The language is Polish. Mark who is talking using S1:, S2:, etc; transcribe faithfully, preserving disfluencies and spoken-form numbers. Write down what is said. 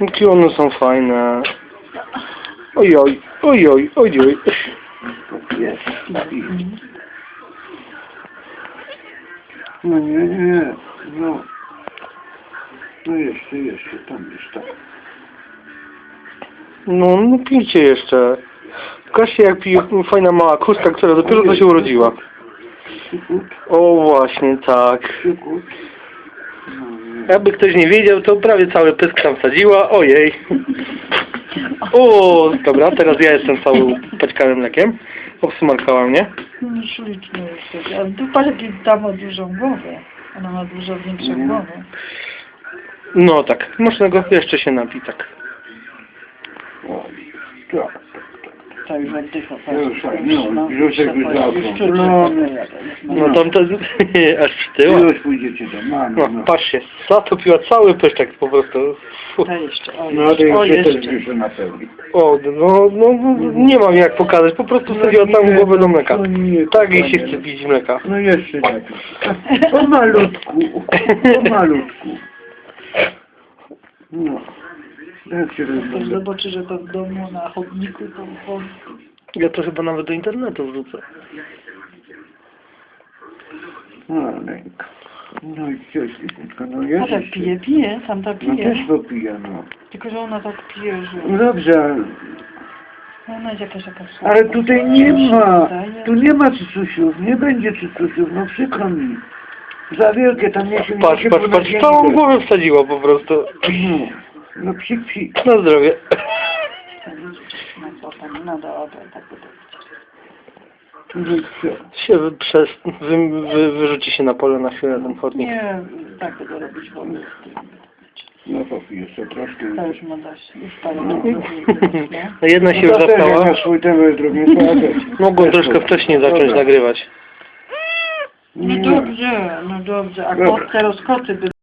S1: Jakie one są fajne. Ojoj, ojoj, ojoj.
S2: Jest. No nie, nie, no. No jeszcze, jeszcze, tam jest tak.
S1: No, no pijcie jeszcze. Pokażcie jak pije fajna mała kuska, która dopiero co się urodziła. O właśnie, tak. Jakby ktoś nie wiedział, to prawie cały pysk tam wsadziła. Ojej. O, dobra, teraz ja jestem cały paćkanym mlekiem. Obsmarkała mnie.
S3: No ślicznie jest. Ale tu patrz, jaki ta ma dużą głowę. Ona ma dużo większą głowę.
S1: No tak, można go jeszcze się napić, tak.
S2: O, tak.
S3: To już oddycha.
S2: Już, no, już jakby zaczął.
S1: No tam to aż przytyła.
S2: Już pójdziecie do mamy.
S1: No,
S2: No,
S1: patrzcie, zatopiła cały pyszczek po prostu. Fu.
S3: To jeszcze, o
S2: no to
S3: jeszcze, o
S2: jeszcze też
S3: jeszcze.
S2: jeszcze na pełni.
S1: O, no, no, no, nie mam jak pokazać, po prostu wsadziła całą głowę do mleka.
S2: No nie,
S1: Tak jej się
S2: panie.
S1: chce pić mleka.
S2: No jeszcze lepiej. O malutku, o malutku. No. Jak się
S3: Ktoś
S2: rozumie?
S3: zobaczy, że to w domu na chodniku, to po...
S1: Ja to chyba nawet do internetu wrzucę.
S2: No, Lenka. No i co, Świetniczka, no
S3: A
S2: jest
S3: tak
S2: jeszcze.
S3: pije, pije, tamta
S2: No
S3: pije.
S2: też popija, no.
S3: Tylko, że ona tak pije, że...
S2: No dobrze, ale,
S3: Ona jest jakaś taka
S2: ale tutaj nie ma,
S3: Wydaje.
S2: tu nie ma cycusiów, nie będzie cycusiów, no przykro mi. Za wielkie tam nie się
S1: Patrz, patrz, patrz, całą głowę wsadziła po prostu.
S2: No, no psik, psik.
S1: Na zdrowie.
S3: No co tam, no dobra, tak by to
S2: No i co?
S1: Się wy, przez, wy, wy, wyrzuci się na pole na chwilę ten chodnik.
S3: Nie, tak by to robić wolno.
S2: No popij jeszcze troszkę.
S3: To już ma dość, już parę
S2: No.
S1: No jedna się
S2: No
S1: już
S2: to też jak
S1: zastała.
S2: na swój temat drugi, to ja też.
S1: Mogłem troszkę wcześniej zacząć
S2: Dobra.
S1: nagrywać.
S3: No dobrze, no dobrze, a
S2: Dobra.
S3: kot, teraz koty by